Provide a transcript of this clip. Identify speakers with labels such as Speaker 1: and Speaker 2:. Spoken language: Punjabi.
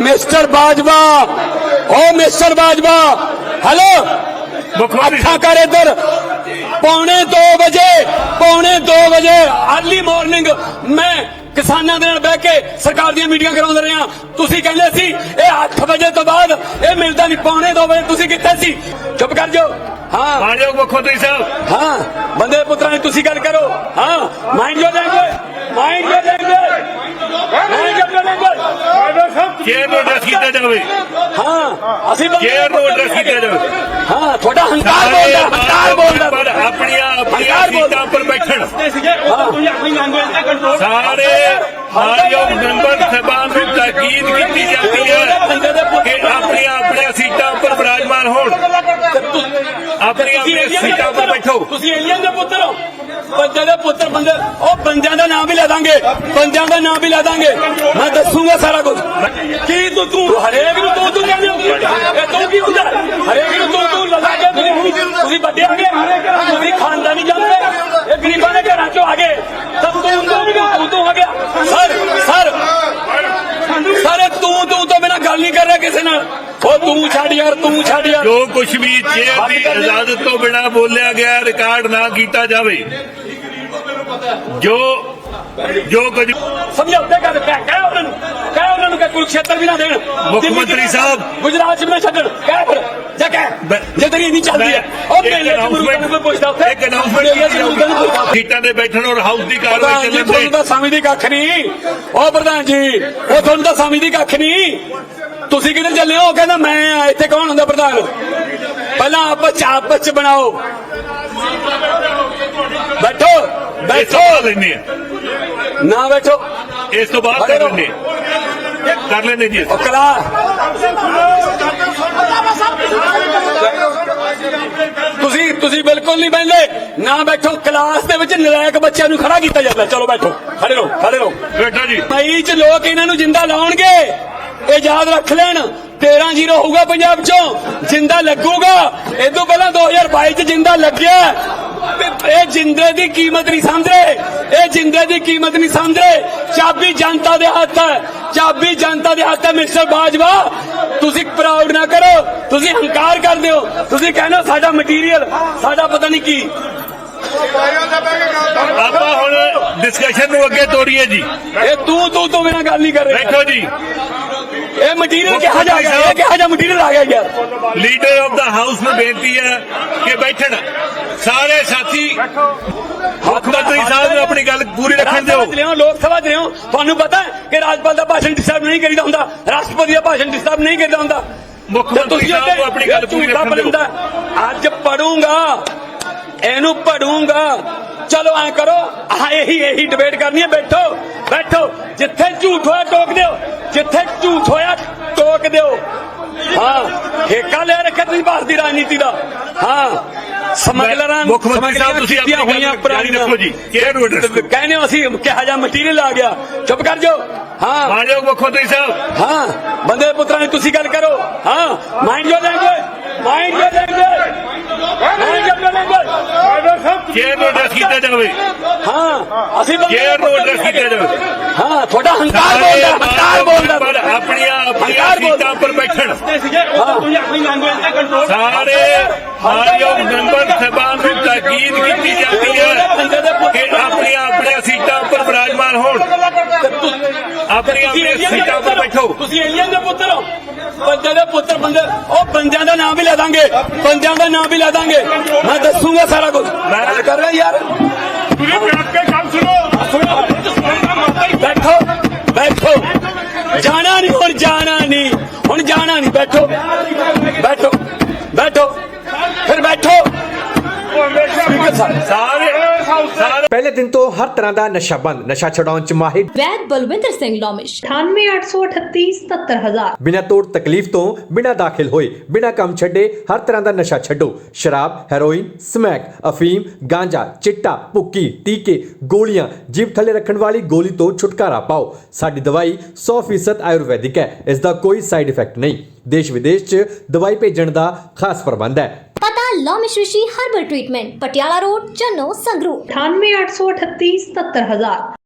Speaker 1: मिस्टर बाजवा, ओ मिस्टर बाजवा, हेलो अच्छा कर इधर। पौने 2 बजे अर्ली मॉर्निंग मैं किसानां दे नाल बैठ के सरकार दी मीटिंग कराउंदे रहे हां। तुसीं कहंदे सी ये 8 बजे तो बाद ये मिलदा नहीं, पौने 2 बजे तुसीं कित्थे सी? चुप कर जाओ। हाँ
Speaker 2: आजो मुख्यमंत्री साहब,
Speaker 1: हाँ बंदे पुत्रा ने तुसीं गल करो। हाँ mind your language, mind your language, mind your language.
Speaker 2: Chair ਨੂੰ ਐਡਰੈਸ ਕੀਤਾ ਜਾਵੇ।
Speaker 1: हाँ ਅਸੀਂ
Speaker 2: ਚੇयर ਨੂੰ ਐਡਰੈਸ ਕੀਤਾ ਜਾਵੇ।
Speaker 1: हाँ थोड़ा हंकार बोलदा, हंकार बोलदा।
Speaker 2: ਪਰ ਆਪਣੀਆਂ ਸੀਟਾਂ ਉੱਪਰ ਬੈਠਣ ਸਾਰੇ ਮਾਨਯੋਗ ਮੈਂਬਰ ਸਾਹਿਬਾਨ ਨੂੰ ਤਾਕੀਦ ਕੀਤੀ ਜਾਂਦੀ ਹੈ ਕਿ ਆਪਣੀਆਂ ਸੀਟਾਂ ਉੱਪਰ ਵਿਰਾਜਮਾਨ ਹੋਣ। ਆਪਣੀਆਂ ਸੀਟਾਂ ਉੱਪਰ ਬੈਠੋ।
Speaker 1: ਤੁਸੀਂ ਏਲੀਅਨ ਦੇ ਪੁੱਤਰ ਹੋ, ਬੰਦੇ ਦੇ ਪੁੱਤਰ। ਬੰਦੇ ਉਹ ਬੰਦਿਆਂ ਦਾ ਨਾਮ ਵੀ ਲੈ ਦਾਂਗੇ, ਬੰਦਿਆਂ ਦਾ ਨਾਮ ਵੀ ਲੈ ਦਾਂਗੇ। ਮੈਂ ਦੱਸੂਗਾ ਸਾਰਾ ਕੁਝ। ਕੀ ਤੂੰ ਹਰੇਕ ਨੂੰ ਤੂੰ ਕਹਿੰਦੇ ਹੋ? ਇਹ ਤੂੰ ਕੀ ਹੁੰਦਾ? ਹਰੇਕ ਨੂੰ ਤੂੰ ਲਗਾ ਕੇ ਤੁਸੀਂ ਵੱਡੇ ਆ ਗਏ, ਤੁਸੀਂ ਖਾਨਦਾਨੀ ਜਾਂਦੇ, ਇਹ ਗਰੀਬਾਂ ਦੇ ਘਰਾਂ ਚੋਂ ਆ ਗਏ ਤਾਂ ਤੂੰ ਆ ਗਿਆ। ਸਰ ਤੂੰ ਤੋਂ ਬਿਨਾਂ ਗੱਲ ਨਹੀਂ ਕਰ ਰਿਹਾ ਕਿਸੇ ਨਾਲ। ਉਹ ਤੂੰ ਛੱਡ ਯਾਰ, ਤੂੰ ਛੱਡ ਯਾਰ।
Speaker 2: ਜੋ ਕੁਝ ਵੀ ਚੇਅਰ ਦੀ ਇਜਾਜ਼ਤ ਤੋਂ ਬਿਨਾਂ ਬੋਲਿਆ ਗਿਆ ਰਿਕਾਰਡ ਨਾ ਕੀਤਾ ਜਾਵੇ। ਜੋ ਕੁਝ
Speaker 1: ਸਮਝੌਤੇ ਕਰ ਕਹਿ ਉਹਨਾਂ ਨੂੰ ਕਿ ਕੁਰੂਕਸ਼ੇਤਰ ਵੀ ਨਾ ਦੇਣ।
Speaker 2: ਮੁੱਖ ਮੰਤਰੀ ਸਾਹਿਬ
Speaker 1: ਗੁਜਰਾਤ ਚ ਵੀ ਨਾ ਛੱਡਣ। ਕਹਿ ਫਿਰ ਜਾ ਕਹਿ ਜੇ ਤੇਰੀ ਨਹੀਂ ਚੱਲਦੀ ਹੈ। ਉਹ ਮੇਲੇ ਚ ਮੁਰੂਦਾਂ ਨੂੰ ਕੋਈ ਪੁੱਛਦਾ ਉੱਥੇ
Speaker 2: ਇੱਕ ਅਨਾਉਂਸਮੈਂਟ ਸੀਟਾਂ ਦੇ ਬੈਠਣ ਔਰ ਹਾਊਸ ਦੀ ਕਾਰਵਾਈ ਚੱਲਣ
Speaker 1: ਤੁਹਾਨੂੰ ਤਾਂ ਸਮਝਦੀ ਕੱਖ ਨਹੀਂ। ਉਹ ਪ੍ਰਧਾਨ ਜੀ ਉਹ ਤੁਹਾਨੂੰ ਤਾਂ ਸਮਝਦੀ ਕੱਖ ਨਹੀਂ। ਤੁਸੀਂ ਕਿੱਧਰ ਚੱਲੇ ਹੋ? ਕਹਿੰਦਾ ਮੈਂ ਆ। ਇੱਥੇ ਕੌਣ ਹੁੰਦਾ ਪ੍ਰਧਾਨ? ਪਹਿਲਾਂ ਆਪਸ ਚ ਬਣਾਓ। ਬੈਠੋ
Speaker 2: ਲੈਂਦੇ ਆ
Speaker 1: ਨਾ ਬੈਠੋ।
Speaker 2: ਇਸ ਤੋਂ ਬਾਅਦ ਕਰ ਲੈਂਦੇ ਜੀ।
Speaker 1: ਤੁਸੀਂ ਬਿਲਕੁਲ ਨਹੀਂ ਬੈਠਦੇ ਨਾ। ਬੈਠੋ। ਕਲਾਸ ਦੇ ਵਿੱਚ ਨਲਾਇਕ ਬੱਚਿਆਂ ਨੂੰ ਖੜਾ ਕੀਤਾ ਜਾਂਦਾ। ਚਲੋ ਬੈਠੋ, ਖੜੇ ਰਹੋ
Speaker 2: ਬੈਠੋ ਜੀ।
Speaker 1: ਮਈ ਚ ਲੋਕ ਇਹਨਾਂ ਨੂੰ ਜਿੰਦਾ ਲਾਉਣਗੇ, ਇਹ ਯਾਦ ਰੱਖ ਲੈਣ। 13-0 ਹੋਊਗਾ ਪੰਜਾਬ ਚੋਂ, ਜਿੰਦਾ ਲੱਗੂਗਾ। ਇਹ ਤੋਂ ਪਹਿਲਾਂ 2022 ਚ ਜਿੰਦਾ ਲੱਗਿਆ। ਇਹ ਜਿੰਦੇ ਦੀ ਕੀਮਤ ਨਹੀਂ ਸਮਝਦੇ, ਇਹ ਜਿੰਦੇ ਦੀ ਕੀਮਤ ਨਹੀਂ ਸਮਝਦੇ। ਚਾਬੀ ਜਨਤਾ ਦੇ ਹੱਥ ਹੈ, ਚਾਬੀ ਜਨਤਾ ਦੇ ਹੱਥ ਹੈ। ਮਿਸਟਰ ਬਾਜਵਾ ਤੁਸੀਂ ਪ੍ਰਾਊਡ ਨਾ ਕਰੋ, ਤੁਸੀਂ ਹੰਕਾਰ ਕਰਦੇ ਹੋ। ਤੁਸੀਂ ਕਹਿੰਦੇ ਹੋ ਸਾਡਾ ਮਟੀਰੀਅਲ, ਸਾਡਾ ਪਤਾ ਨਹੀਂ ਕੀ।
Speaker 2: ਆਪਾਂ ਹੁਣ ਡਿਸਕਸ਼ਨ ਨੂੰ ਅੱਗੇ ਤੋਰੀਏ ਜੀ।
Speaker 1: ਇਹ ਤੂੰ ਤੋਂ ਬਿਨਾਂ ਗੱਲ ਨਹੀਂ ਕਰ ਰਹੇ।
Speaker 2: ਬੈਠੋ ਜੀ।
Speaker 1: ਇਹ ਮਟੀਰੀਅਲ ਕਿਹਾ ਜਾ ਗਿਆ, ਇਹ ਕਿਹਾ ਜਾ ਮਟੀਰੀਅਲ ਆ ਗਿਆ ਯਾਰ।
Speaker 2: ਲੀਡਰ ਆਫ ਦਾ ਹਾਊਸ ਨੂੰ ਬੇਨਤੀ ਹੈ ਕਿ ਬੈਠਣ ਸਾਰੇ ਸਾਥੀ। ਮੁੱਖ ਮੰਤਰੀ ਸਾਹਿਬ ਨੂੰ ਆਪਣੀ ਗੱਲ ਪੂਰੀ ਰੱਖਣ ਦਿਓ।
Speaker 1: ਲੋਕ ਸਭਾ ਚ ਰਹੋ, ਤੁਹਾਨੂੰ ਪਤਾ ਕਿ ਰਾਜਪਾਲ ਦਾ ਭਾਸ਼ਣ ਡਿਸਟਰਬ ਨਹੀਂ ਕਰੀਦਾ ਹੁੰਦਾ, ਰਾਸ਼ਟਰਪਤੀ ਦਾ ਭਾਸ਼ਣ ਡਿਸਟਰਬ ਨਹੀਂ ਕਰੀਦਾ ਹੁੰਦਾ।
Speaker 2: ਮੁੱਖ ਮੰਤਰੀ ਸਾਹਿਬ ਨੂੰ ਆਪਣੀ ਗੱਲ ਪੂਰੀ ਰੱਖਣ ਦਿਓ।
Speaker 1: ਅੱਜ ਪੜੂੰਗਾ, ਇਹਨੂੰ ਪੜੂੰਗਾ। ਚਲੋ ਐ ਕਰੋ, ਇਹੀ ਡਿਬੇਟ ਕਰਨੀ ਹੈ। ਬੈਠੋ। ਜਿੱਥੇ ਝੂਠ ਹੋਇਆ ਟੋਕ ਦਿਓ, ਜਿੱਥੇ ਝੂਠ ਹੋਇਆ ਟੋਕ ਦਿਓ। ਹਾਂ ਠੇਕਾ ਲੈ ਰੱਖਿਆ ਤੁਸੀਂ ਭਾਰਤ ਦੀ ਰਾਜਨੀਤੀ ਦਾ। ਹਾਂ ਸਮਗਲਰਾਂ
Speaker 2: ਮੁੱਖ ਮੰਤਰੀ ਸਾਹਿਬ ਤੁਸੀਂ ਆਪਣੀ
Speaker 1: ਹੋਈਆਂ ਪੁਰਾਣੀਆਂ
Speaker 2: ਰੱਖੋ ਜੀ।
Speaker 1: ਕਹਿੰਦੇ ਹੋ ਅਸੀਂ ਕਿਹਾ ਜਾ ਮਟੀਰੀਅਲ ਆ ਗਿਆ। ਚੁੱਪ ਕਰ ਜਾਓ। ਹਾਂ
Speaker 2: ਮਾਨਯੋਗ ਮੁੱਖ ਮੰਤਰੀ ਸਾਹਿਬ,
Speaker 1: ਹਾਂ ਬੰਦੇ ਪੁੱਤਰਾਂ ਨੇ ਤੁਸੀਂ ਗੱਲ ਕਰੋ। ਹਾਂ mind your language, mind your language, mind your language.
Speaker 2: Chair ਨੂੰ ਐਡਰੈਸ ਕੀਤਾ ਜਾਵੇ।
Speaker 1: ਹਾਂ ਅਸੀਂ
Speaker 2: ਚੇਅਰ ਨੂੰ ਐਡਰੈਸ ਕੀਤਾ ਜਾਵੇ।
Speaker 1: ਹਾਂ ਥੋੜਾ ਹੰਕਾਰ ਬੋਲਦਾ।
Speaker 2: ਪਰ ਆਪਣੀਆਂ ਸੀਟਾਂ ਉੱਪਰ ਬੈਠਣ ਸਾਰੇ ਮਾਨਯੋਗ ਮੈਂਬਰ ਸਾਹਿਬਾਨ ਨੂੰ ਤਾਕੀਦ ਕੀਤੀ ਜਾਂਦੀ ਹੈ ਕਿ ਆਪਣੀਆਂ ਸੀਟਾਂ ਉੱਪਰ ਵਿਰਾਜਮਾਨ ਹੋਣ। ਆਪਣੀਆਂ ਸੀਟਾਂ ਉੱਪਰ ਬੈਠੋ।
Speaker 1: ਤੁਸੀਂ ਏਲੀਅਨ ਦੇ ਪੁੱਤਰ ਹੋ, ਬੰਦੇ ਦੇ ਪੁੱਤਰ। ਬੰਦੇ ਉਹ ਬੰਦਿਆਂ ਦਾ ਨਾਮ ਵੀ ਲੈ ਦਾਂਗੇ, ਬੰਦਿਆਂ ਦਾ ਨਾਮ ਵੀ ਲੈ ਦਾਂਗੇ। ਮੈਂ ਦੱਸੂਗਾ ਸਾਰਾ ਕੁਝ। ਮੈਂ ਕਰ ਰਿਹਾ ਯਾਰ।
Speaker 2: ਤੁਸੀਂ ਬੈਠ ਕੇ ਗੱਲ ਸੁਣੋ।
Speaker 1: ਬੈਠੋ। ਜਾਣਾ ਨਹੀਂ ਹੁਣ, ਜਾਣਾ ਨਹੀਂ। ਬੈਠੋ ਫਿਰ ਬੈਠੋ।
Speaker 3: पहले दिन तो हर तरह का नशा बंद, नशा छुड़ाउण च माहिर
Speaker 4: वैद बलविंदर सिंह लोमिश 9883377000।
Speaker 3: बिना तोड़ तकलीफ तो बिना दाखिल होए बिना काम छड्डे हर तरह का नशा छड्डो। शराब, हेरोइन, स्मैक, अफीम, गांजा, चिट्टा, भुक्की, टीके, गोलियां, जीभ थले रखने वाली गोली तो छुटकारा पाओ। साडी दवाई 100% आयुर्वैदिक है, इसका कोई साइड इफेक्ट नहीं। देश विदेश च दवाई भेजण दा खास प्रबंध है।
Speaker 4: पता Lomish Rishi herbal treatment, Patiala road, Channo, Sangrur.
Speaker 5: 9883377000।